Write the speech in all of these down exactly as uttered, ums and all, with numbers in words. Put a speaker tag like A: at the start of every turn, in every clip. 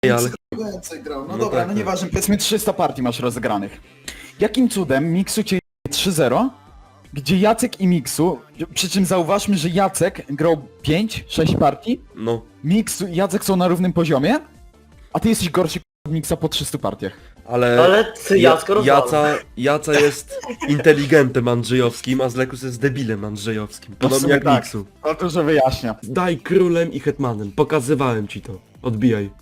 A: ale...
B: Więcej grał. No,
A: No
B: dobra,
A: tak,
B: no
A: tak.
B: nieważne, powiedzmy trzysta partii masz rozegranych. Jakim cudem Miksu cię trzy zero, gdzie Jacek i Miksu, przy czym zauważmy, że Jacek grał pięć sześć partii,
A: No,
B: Miksu i Jacek są na równym poziomie, a ty jesteś gorszy od Miksa po trzystu partiach.
A: ale...
C: Ale ty Jacko rozwala.
A: Jaca, Jaca jest inteligentem andrzejowskim, a Zlekus jest debilem andrzejowskim. Podobnie
B: sumie
A: jak
B: tak.
A: Miksu.
B: No to, że wyjaśnia.
A: Daj królem i hetmanem. Pokazywałem ci to. Odbijaj.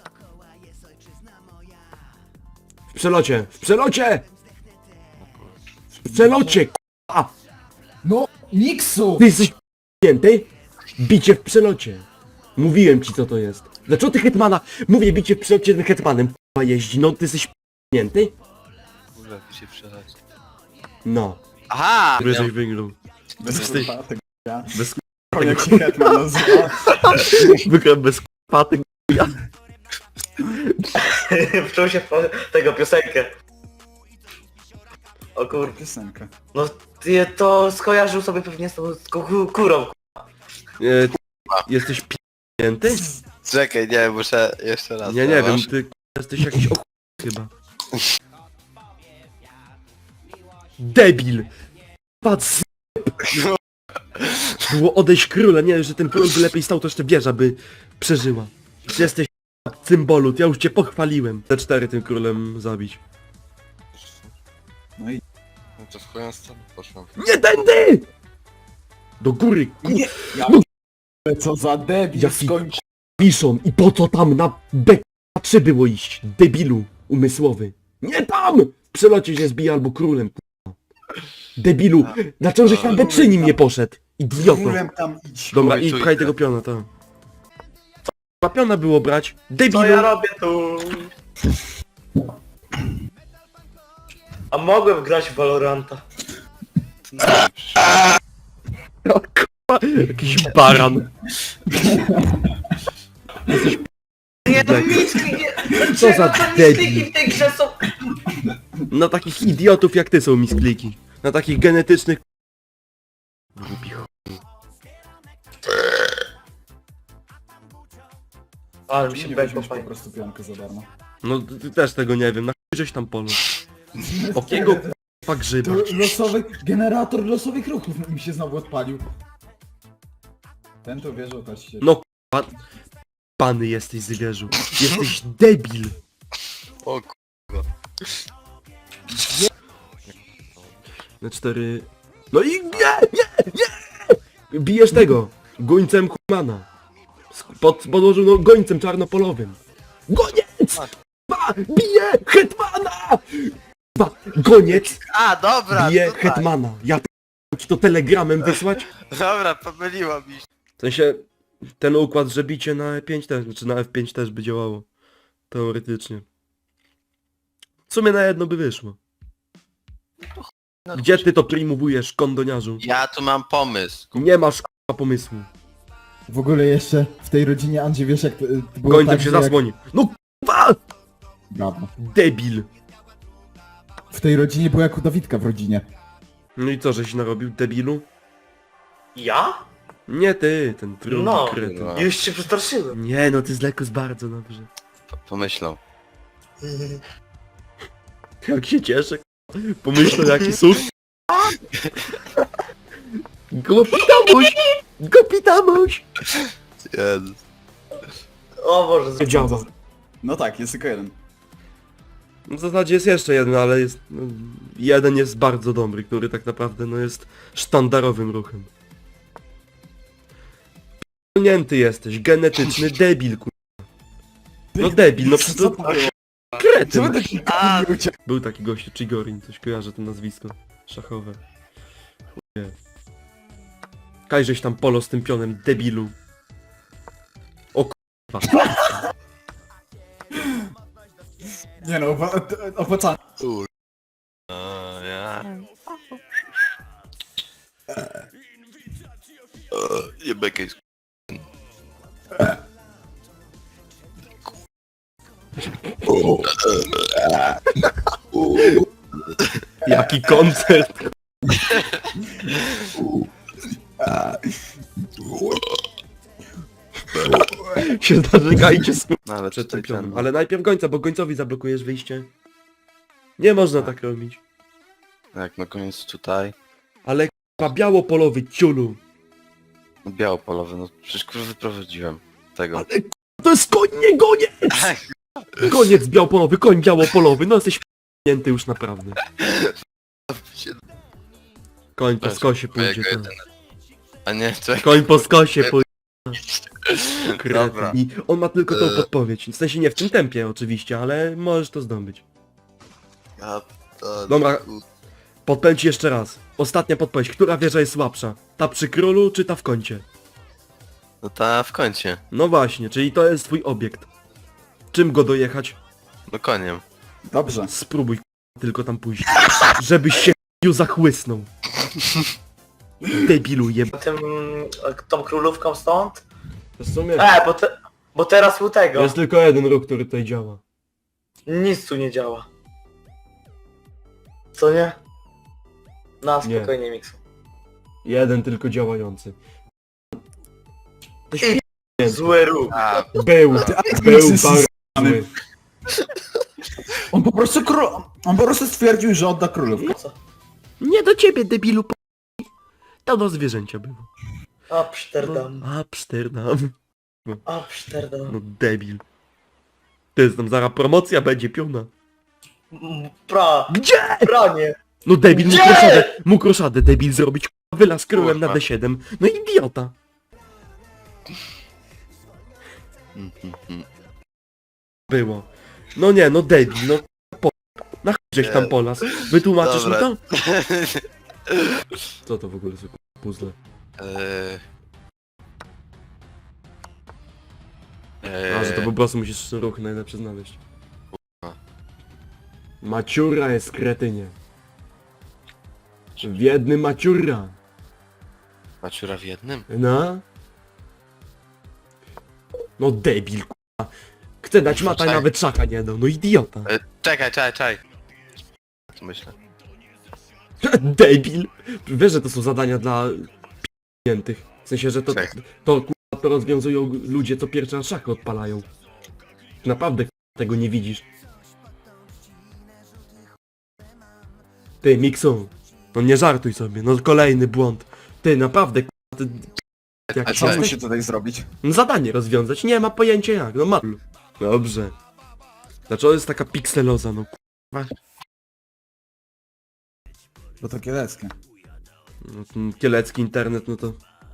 A: W przelocie! W przelocie! W przelocie! k***a!
B: No, Miksu!
A: Ty jesteś p***nięty? Bicie w przelocie. Mówiłem ci co to jest. Dlaczego ty hetmana? Mówię bicie w przelocie tym hetmanem k***a jeździ. No ty jesteś p***nięty?
D: Kurwa, ty się przelać.
A: No.
D: Aha!
A: Wyżej wygrał.
B: Bez
A: Jesteś-
B: kurwa, tego ja.
A: Bez
B: Jak się Hetman nazywa.
A: Wygrałem bez k***a ty
C: Wczuł się w po- tego piosenkę. O kur...
B: Piosenkę.
C: No ty to skojarzył sobie pewnie z tą z ku- kurą.
A: e, ty Jesteś p***nięty?
D: Czekaj, nie, muszę jeszcze raz.
A: Nie, nie wiem,
D: Zobacz.
A: ty jesteś jakiś ok... chyba. Debil! Patrz, było odejść króla, nie, że ten król by lepiej stał, to jeszcze wieża by przeżyła. Ty jesteś cymbolut, ja już cię pochwaliłem. Te cztery tym królem zabić.
B: No i
D: No to w chują stronę poszłam.
A: Nie tędy! Do góry, kur...
B: nie. Ja... Co za debil,
A: Jaki
B: skończ.
A: piszą i po co tam na B trzy było iść, debilu umysłowy. Nie tam! W przelocie się zbija albo królem, k***a. Debilu, dlaczego żeś na B trzy nim nie poszedł? Idioto.
B: Królem tam idź.
A: Dobra,
D: Chuj,
A: i
D: tu
A: pchaj
D: idę.
A: tego piona, to. Chyba piona było brać.
C: Co
A: Debilu!
C: ja robię tu? A mogłem grać w Valoranta.
A: O, k***a, jakiś baran. Jesteś
C: Nie, to
A: Tak.
C: miski, nie...
A: Co za
C: Dlaczego te
A: debil.
C: miskiki w tej grze są...
A: Na takich idiotów jak ty są miskliki. Na takich genetycznych... Głupi ch...
C: Ale mi się
B: Nie
C: beko
B: weźmiesz po
C: fajnie.
B: prostu pionkę za darmo.
A: No ty ty też tego nie wiem, na chuj żeś tam polu. Okiego k***a grzyba.
B: To losowy, generator losowych ruchów mi się znowu odpalił. Ten to wierzą też się.
A: No k***a... Pany jesteś zwierzu. Jesteś debil.
D: O kurwa.
A: Na cztery... No i nie, nie, nie! Bijesz tego, gońcem Humana. Sk- Pod, podłożył no, gońcem czarnopolowym. Goniec! Ba, bije Hetmana! Ba, goniec
D: A, dobra,
A: bije
D: tutaj.
A: Hetmana. Ja p- ci to telegramem wysłać?
D: Dobra, pomyliło mi się.
A: W sensie, ten układ, że bicie na E pięć też, czy na F pięć też by działało. Teoretycznie. W sumie na jedno by wyszło.
D: No,
A: Gdzie ty to primowujesz, kondoniarzu?
D: Ja tu mam pomysł.
A: Nie masz k***a pomysłu.
B: W ogóle jeszcze w tej rodzinie Andrzej, wiesz jak to, to było
A: Gońcem
B: tak,
A: się
B: że jak-
A: zasłoni. No k***a!
B: Brawo.
A: Debil.
B: W tej rodzinie było jak u Dawidka w rodzinie.
A: No i co, żeś narobił, debilu?
C: Ja?
A: Nie ty, ten drugi
C: No.
A: kretyn.
D: No.
C: Już się przestraszyłem.
A: Nie no, ty z Lekus bardzo dobrze.
D: P- Pomyślą.
A: Jak się cieszę, k***a. Pomyślę jaki cud. Gopitamuś! Gopitamuś!
D: Jezus.
C: O Boże,
A: Działa.
B: No tak, jest tylko jeden.
A: W zasadzie jest jeszcze jeden, ale jest... No, jeden jest bardzo dobry, który tak naprawdę no jest sztandarowym ruchem. P***nięty jesteś, genetyczny debil, ku... No debil, no
B: Co
A: to
B: to było? Co
A: kretyn.
B: wy taki
D: A.
B: kurwa uciek-
A: Był taki gościu, Chigorin, coś kojarzę to nazwisko. Szachowe. Chuje. Kajżeś tam polo z tym pionem, debilu. O k***a.
B: Nie no, owa- opłacalne.
D: Kur... O, ja. O, jebek jest.
A: Jaki koncert. się zażegajcie z
D: No ale
A: przed
D: tutaj
A: tym pionem.
D: ten...
A: Ale najpierw gońca, bo gońcowi zablokujesz wyjście. Nie można tak robić.
D: Jak na koniec tutaj...
A: Ale k***a białopolowy ciulu.
D: No, białopolowy, no przecież kurwa wyprowadziłem tego.
A: Ale k***a, to jest koń, nie goniec! Koniec białopolowy, koń białopolowy, no jesteś p***nięty już naprawdę. Koń po skosie pójdzie,
D: Mojego
A: to.
D: jedyne. A nie, czekaj.
A: Koń po skosie pójdzie.
D: Dobra.
A: I on ma tylko tą
D: Eee.
A: podpowiedź. W sensie nie w tym tempie oczywiście, ale możesz to zdobyć.
D: Ja to...
A: Dobra. Podpowiem ci jeszcze raz. Ostatnia podpowiedź. Która wieża jest słabsza? Ta przy królu czy ta w kącie?
D: No ta w kącie.
A: No właśnie, czyli to jest twój obiekt. Czym go dojechać?
D: No koniem.
B: Dobrze.
A: Spróbuj k***a, tylko tam pójść. Żebyś się k***iu zachłysnął. Debilu jeb...
C: Tym, tą królówką stąd?
A: W sumie
C: E, bo, te, bo teraz u tego.
A: jest tylko jeden ruch, który tutaj działa.
C: Nic tu nie działa. Co nie? Na
A: Nie.
C: spokojnie, Miksu.
A: Jeden tylko działający. To
C: I-
A: śmiesznie.
C: Zły ruch.
D: A,
A: Był,
B: Alex
A: był
B: jest
A: bardzo
B: zjebany.
A: zły.
B: On po prostu król... On po prostu stwierdził, że odda królówkę.
C: Co?
A: Nie do ciebie, debilu p... To do zwierzęcia było.
C: Amsterdam.
A: Amsterdam.
C: Amsterdam.
A: No debil. To jest tam zaraz promocja będzie piona.
C: M- Pra.
A: Gdzie?
C: Pranie.
A: No debil, mógł
C: Gdzie?
A: roszadę, mógł roszadę debil zrobić, k***a, wylaz królem na
D: Kurwa.
A: D siedem. No idiota.
D: mm, mm, mm.
A: Było. No nie, no debil, no po... Na chuj żeś tam polas. Wytłumaczysz mi
D: Dobra.
A: to? Co to w ogóle za k***a puzzle?
D: Eee...
A: A, że to po prostu musisz ruch najlepszy znaleźć. Maciura jest kretynie. W jednym maciura.
D: Maciura w jednym?
A: No. No debil, k***a. Chcę dać mata,
D: Czekaj.
A: nawet szaka nie dał, no idiota.
D: E, czekaj, czekaj, czekaj. Co myślę?
A: Debil. Wiesz, że to są zadania dla p***niętych. W sensie, że to,
D: Czekaj.
A: to k***a, to rozwiązują ludzie, co pierwszy raz szachy odpalają. Naprawdę k***a, tego nie widzisz. Ty, Miksu. No nie żartuj sobie, no kolejny błąd. Ty, naprawdę k***a, ty... Jak
D: A
B: Co on
D: Cześć.
B: musi tutaj zrobić?
A: No zadanie rozwiązać, nie ma pojęcia jak, no ma. Dobrze. Dlaczego jest taka pikseloza, no k***a.
B: Bo to kieleckie.
A: No, ten kielecki internet, no to...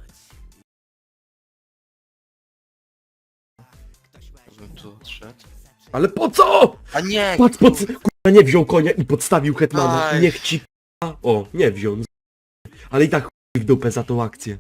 D: Bym tu odszedł.
A: Ale po co?
D: A nie!
A: Patrz, po co? K***a, nie wziął konia i podstawił hetmana.
D: Aj.
A: Niech ci k***a... O, nie wziął. Ale i tak chuj w dupę za tą akcję.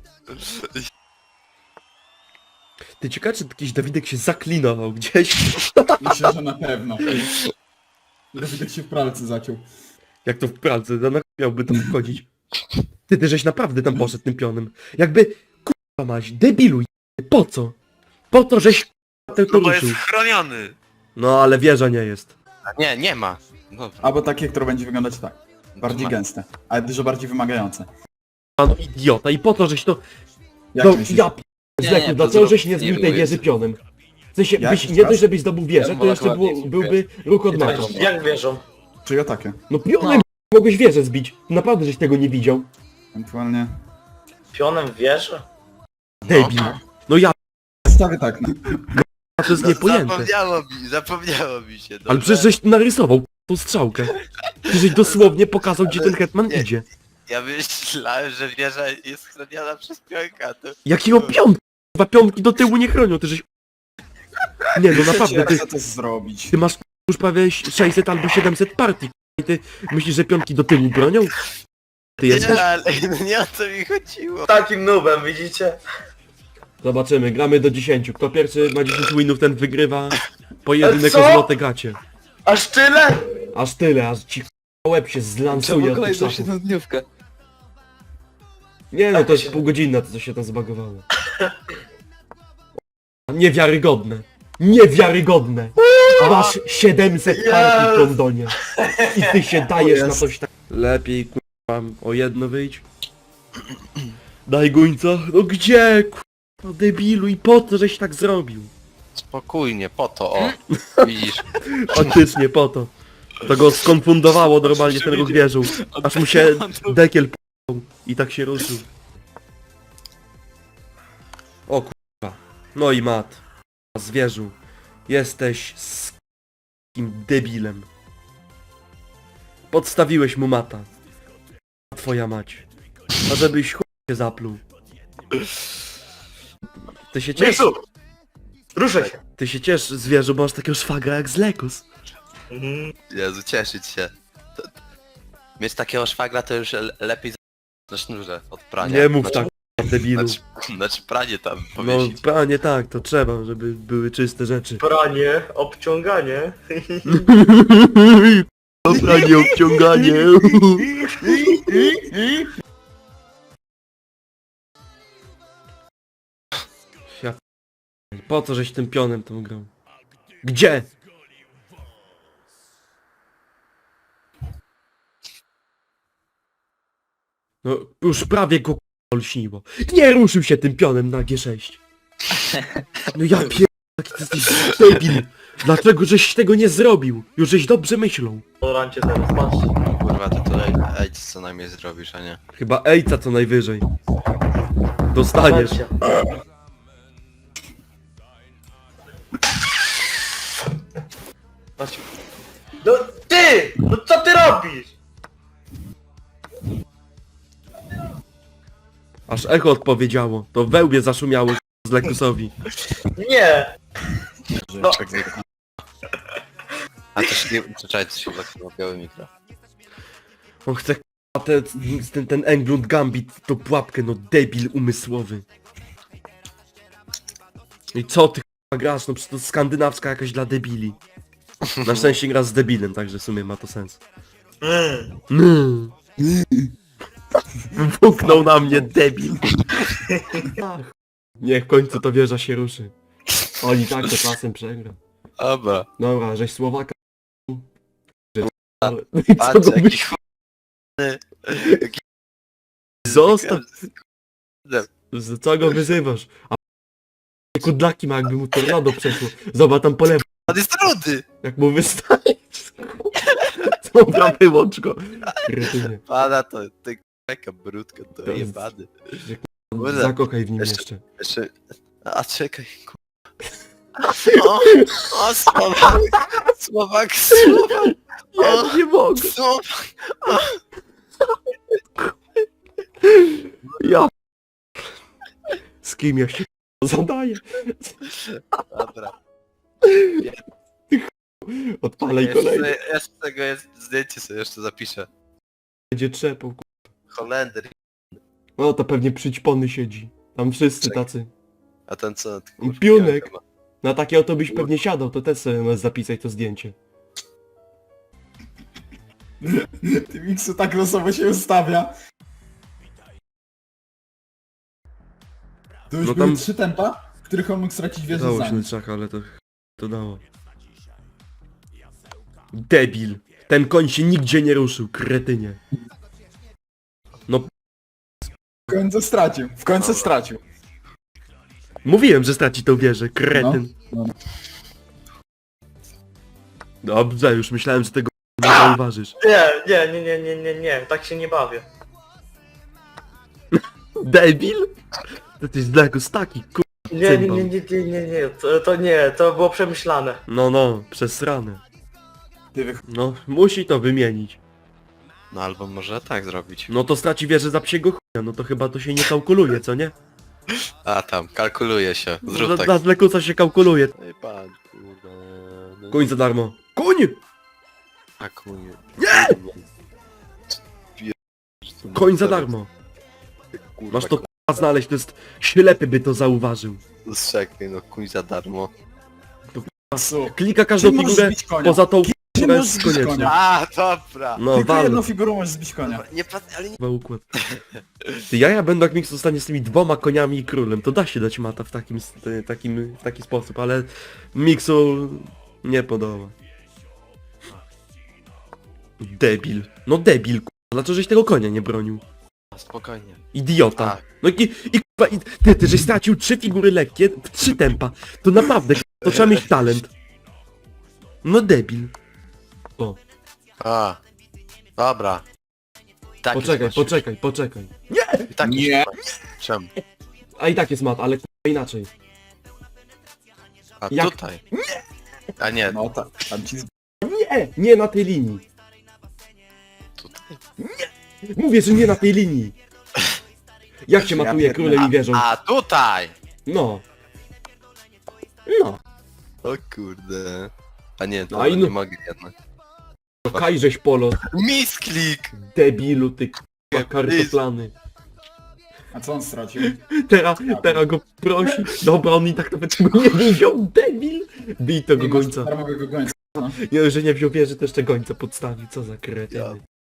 A: Ty ciekawe, czy jakiś Dawidek się zaklinował gdzieś?
B: Myślę, że na pewno. Dawidek się w pralce zaciął.
A: Jak to w pralce, no na chuj miałby tam wchodzić. Ty, ty żeś naprawdę tam poszedł tym pionem. Jakby, k***a maś, debilu, j***y, po co? Po to, żeś k***a to
D: No bo
A: ruszył.
D: jest chroniony!
A: No ale wieża nie jest.
D: A nie, nie ma. Dobra.
B: Albo takie, które będzie wyglądać tak. Bardziej
D: Ma.
B: gęste, ale dużo bardziej wymagające.
A: A no idiota, i po to, żeś to...
B: Jak
A: No
B: myślisz?
A: ja p...
D: Nie,
A: Zleku,
D: nie,
A: dlaczego
D: to
A: żeś
D: zrób-
A: nie
D: nie
A: zbił tej
D: było
A: wieży
D: jeszcze.
A: pionem? W sensie,
B: Jak?
A: byś, nie
B: Raz?
A: dość, żebyś zdobył wieżę,
D: Ja
A: to jeszcze
D: wolę
A: było,
D: ładniej
A: byłby ruch od
C: Tak,
A: meczu.
C: jak wierzą?
B: Czy ja takie?
A: No pionem mogłeś wieżę zbić. Naprawdę, żeś tego nie widział.
B: Ewentualnie...
C: Pionem wierzę?
A: Debil. No ja
B: Stawię tak, no.
A: p... to jest niepojęte.
D: Zapomniało mi, zapomniało mi się. Dobra?
A: Ale przecież żeś narysował tą strzałkę. Ty żeś dosłownie pokazał, gdzie ten hetman
D: nie.
A: idzie.
D: Ja myślałem, że wieża jest chroniona przez pionka, to...
A: Jakiego piątki? Dwa piątki do tyłu nie chronią, ty żeś... Nie no naprawdę,
B: Jak
A: ty,
B: chcę to zrobić?
A: ty masz już prawie sześćset albo siedemset partii. I ty myślisz, że piątki do tyłu bronią? Ty jesteś?
D: Nie, ale nie o co mi chodziło.
C: Takim nubem, widzicie?
A: Zobaczymy, gramy do dziesięciu. Kto pierwszy ma dziesięć winów, ten wygrywa pojedynek
C: Co?
A: o złote gacie.
C: Aż tyle?
A: Aż tyle, aż ci k***a łeb się zlansuje od tych szachów.
D: dniówkę.
A: Nie no,
C: Tak
A: to jest
C: się-
A: pół godziny, to co się tam zbagowało. Niewiarygodne. Niewiarygodne. Masz siedemset partii w Londonie. I ty się dajesz na coś tak... Lepiej k***a o jedno wyjść. Daj gońca. No gdzie k***a debilu i po co żeś tak zrobił?
D: Spokojnie, po to, o. Widzisz?
A: Faktycznie po to. To go skonfundowało normalnie ten ruch wieżą. Aż mu się dekiel p***ł i tak się ruszył. O kurwa. No i mat. Zwierzu. Jesteś z kim debilem. Podstawiłeś mu mata. Twoja mać. A żebyś chuj się zapluł. Ty się ciesz,
C: Miksu! Ruszaj się!
A: ty się ciesz zwierzu, bo masz takiego szwagra jak z Lekus.
C: Mhm.
D: Jezu, cieszyć się. To, to, mieć takiego szwagra to już le- lepiej za- na sznurze od prania.
A: Nie mów
D: znaczy,
A: tak, debilu.
D: Znaczy, znaczy pranie tam
A: No,
D: powiesić.
A: panie tak, to trzeba, żeby były czyste rzeczy.
C: Pranie, obciąganie.
A: Pranie, obciąganie. Ja p- po co żeś tym pionem tą grał? Gdzie? No, już prawie go k***a lśniło. Nie ruszył się tym pionem na G sześć. No ja pier... Jaki ty jesteś debil. Dlaczego żeś tego nie zrobił? Już żeś dobrze myślał.
C: Tolerancie teraz, patrz.
D: Kurwa, to to ej, co najmniej zrobisz, a nie?
A: Chyba ejca co najwyżej. Dostaniesz.
C: Patrzcie. Patrz. No ty! No co ty robisz?
A: Aż echo odpowiedziało. To wełbie zaszumiało z Lekusowi.
C: Nie! No.
D: A to się nie... Czekaj, to się chyba biały mikro.
A: On chce k***a, te, ten, ten Englund Gambit, tą pułapkę, no debil umysłowy. I co ty k***a grasz? No przecież to skandynawska jakaś dla debili. Na szczęście gra z debilem, także w sumie ma to sens.
C: Mm.
A: Mm. Wuknął na mnie debil. Ach. Niech w końcu to wieża się ruszy. Oni tak to czasem przegra.
D: Dobra.
A: Dobra, żeś Słowaka... Ale... I co
D: Patrz,
A: go
D: jaki
A: byś...
D: chłodny. Jaki...
A: Zostaw! Z co go wyzywasz? A kudlaki ma, jakby mu tornado przeszło. Zobacz tam po lewo,
D: On jest rudy!
A: jak mu wystaje. Dobra, wyłącz go. Kretynie.
D: Pana to, ty taka brudka, to
A: To jest-
D: jebany.
A: Zakochaj w nim
D: Jeszcze-
A: jeszcze.
D: Jeszcze... A czekaj, ku... O, o, Słowak! Słowak, Słowak!
A: Ja nie mogę.
D: Słowak!
A: Ja... Z kim ja się zadaję?
D: Dobra.
A: Odpalaj kolejny.
D: Jeszcze, jeszcze tego jest zdjęcie sobie jeszcze zapiszę.
A: Będzie trzepał. ku-
D: Holender.
A: No to pewnie przyćpony siedzi. Tam wszyscy
D: Czekaj.
A: tacy.
D: A ten co? Kurwa,
A: Piunek.
D: jak ma?
A: Na takie auto byś pewnie siadał, to też sobie możesz zapisać to zdjęcie.
B: Ty Miksu tak losowo się ustawia. To już
A: No
B: były
A: tam-
B: trzy tempa, w których on mógł stracić wieżę
A: Dało
B: za
A: się
B: nim.
A: na czaka, ale to... To dało. Debil. Ten koń się nigdzie nie ruszył, kretynie. No,
B: W końcu stracił. W końcu stracił.
A: mówiłem, że straci tą wieżę, kretyn.
B: No, no.
A: Dobrze, już myślałem, że tego nie zauważysz.
C: Nie, nie, nie, nie, nie, nie, nie, tak się nie bawię.
A: Debil? To ty jest Lekus taki, kur...
C: Nie, nie, nie, nie, nie, nie, nie, to, to nie, to było przemyślane.
A: No, no, przesrane.
B: Ty wych...
A: No, musi to wymienić.
D: No albo może tak zrobić.
A: No to straci wieżę za psiego chuja, no to chyba to się nie kalkuluje, co nie?
D: A tam, kalkuluje się. Zrób
A: Dla,
D: tak.
A: dla Lekusa się kalkuluje.
D: Ej pan, kurwa. No,
A: Koń za darmo. Koń!
D: A kunie.
A: Nie! Koń za darmo.
D: Kurwa,
A: Masz to k***a znaleźć, to jest ślepy by to zauważył.
D: Czekaj, no kuń za darmo.
B: Miksu.
A: Klika każdą
B: Ty możesz
A: figurę
B: zbić konia.
A: poza tą
B: Ty
A: która
B: możesz
A: jest
B: zbić
A: konieczna.
B: konia.
D: A, dobra.
A: No,
B: Tylko jedną
A: walno.
B: figurą możesz zbić konia.
D: Nie pat, ale nie...
A: Chyba układ. Ty, ja, ja będę jak Mix zostanie z tymi dwoma koniami i królem, to da się dać mata w takim, s- e, takim, w taki sposób, ale Mixu nie podoba. Debil. No debil, k***a. Dlaczego żeś tego konia nie bronił?
D: Spokojnie.
A: Idiota.
D: Tak.
A: No i, i, k***a, i ty, ty, żeś stracił trzy figury lekkie w trzy tempa. To naprawdę, k***a, To trzeba mieć talent. No debil. O,
D: A. Dobra. Tak
A: poczekaj,
D: jest masz.
A: poczekaj, poczekaj.
D: I tak
B: Nie.
D: jest masz. Czemu?
A: A i tak jest mat, ale k***a inaczej.
D: A
A: Jak-
D: tutaj. A nie,
B: No tak, tam ci...
A: Nie, nie na tej linii.
D: tutaj.
A: Mówię, że nie na tej linii. Jak się
B: Ja
A: matuje
B: pierdolę.
A: królem i wieżą?
D: A tutaj!
A: No. No.
D: O kurde. A nie, to
A: A i no-
D: nie mogę jednak.
A: To kajżeś polo,
D: Misklik!
A: debilu, ty k***a kartoplany.
B: A co on stracił?
A: Teraz, teraz go prosi. Dobra, on i tak nawet tego nie wziął, debil. Bij tego
B: Nie masz
A: gońca.
B: darmowego gońca.
A: Nie, że nie wziął wieży, to jeszcze gońca podstawił. Co za kretyny.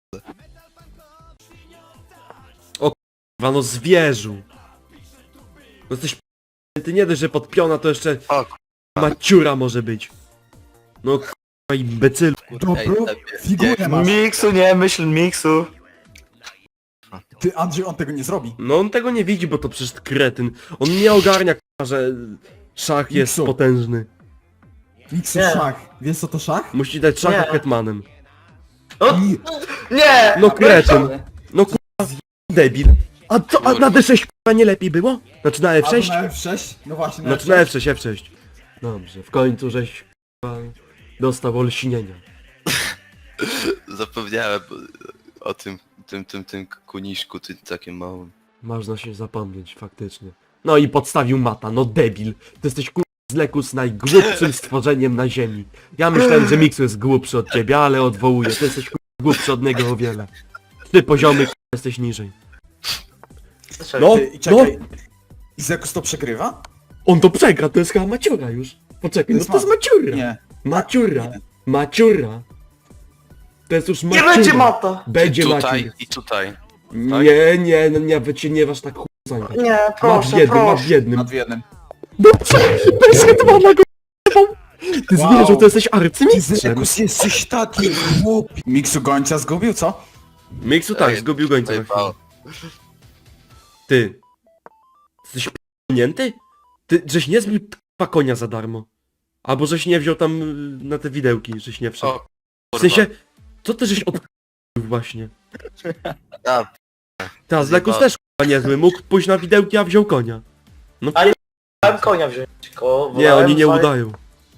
A: O k***wa, no zwierzu. No jesteś p***ny, ty nie dość, że podpiona, to jeszcze
D: O
A: maciura może być. No k***wa, imbecylu.
D: kurde, ej,
B: Dobro,
D: lepiej.
B: figurę masz.
C: Miksu, nie myśl Miksu.
B: Ty, Andrzej, on tego nie zrobi.
A: No on tego nie widzi, bo to przecież kretyn. On nie ogarnia, k***a, że szach jest
B: Miksu.
A: potężny.
B: Miksu,
C: Nie.
B: szach. Wiesz co to szach?
A: Musi dać szacha
C: Nie.
A: hetmanem.
C: O,
B: I...
C: nie!
A: No kretyn. No k***a, debil. A co, a na D sześć k***a nie lepiej było? Znaczy na F
B: Albo
A: sześć?
B: na F sześć? No właśnie, na
A: Znaczy na F sześć, F sześć. Dobrze, w końcu żeś k***a, dostał olśnienia.
D: Zapomniałem o tym, tym, tym, tym kuniszku, tym takim małym.
A: Można się zapomnieć, faktycznie. No i podstawił mata, no debil. Ty jesteś k***a z Lekus najgłupszym stworzeniem na ziemi. Ja myślałem, że Miksu jest głupszy od ciebie, ale odwołuję. Ty jesteś k***a głupszy od niego o wiele. Ty poziomy k***a jesteś niżej.
C: Dlaczego?
A: No,
B: Ty, i
A: no,
B: czekaj. I Zekus to przegrywa?
A: on to przegra, to jest chyba maciura już. Poczekaj, no
B: jest
A: to jest
B: mat.
A: maciura.
B: Nie.
A: Maciura.
B: Nie.
A: Maciura. To jest już
C: Nie
A: maciura.
C: będzie mata!
A: Będzie
D: I tutaj,
A: maciura.
D: i tutaj.
A: Nie, nie, no nie, wy cię nie waż tak chuj.
C: Nie,
A: Masz w
C: proszę,
A: jednym, masz w
C: proszę.
A: jednym.
B: Nad jednym.
A: Dobrze, bez hetmana go Ty
B: Wow.
A: zwierzę, to jesteś
B: Ty,
A: arcymistrzem.
B: Zekus, jesteś taki głupi. Miksu gońca zgubił, co?
A: Miksu tak,
D: Ej,
A: zgubił gońca na chwilę.
D: Pojebało.
A: Ty. Jesteś p***nięty? Ty, żeś nie zbił k***a konia za darmo. Albo żeś nie wziął tam y, na te widełki, żeś nie wszedł.
D: O,
A: W
D: kurwa.
A: sensie, co ty żeś od właśnie?
D: A,
A: Teraz Lekus też k***a niezły, mógł pójść na widełki, a wziął konia. No
C: Ale Chciałem konia wziąć, tylko
A: nie,
C: wolałem
A: oni nie
C: wali-
A: udają.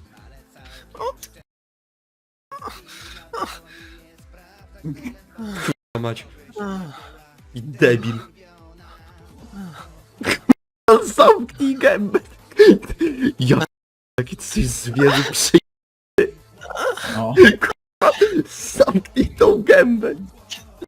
A: K***a mać. I debil. Zamknij gębę. Ja jaki ty jesteś zwierzę przy...
B: No.
A: Zamknij tą gębę.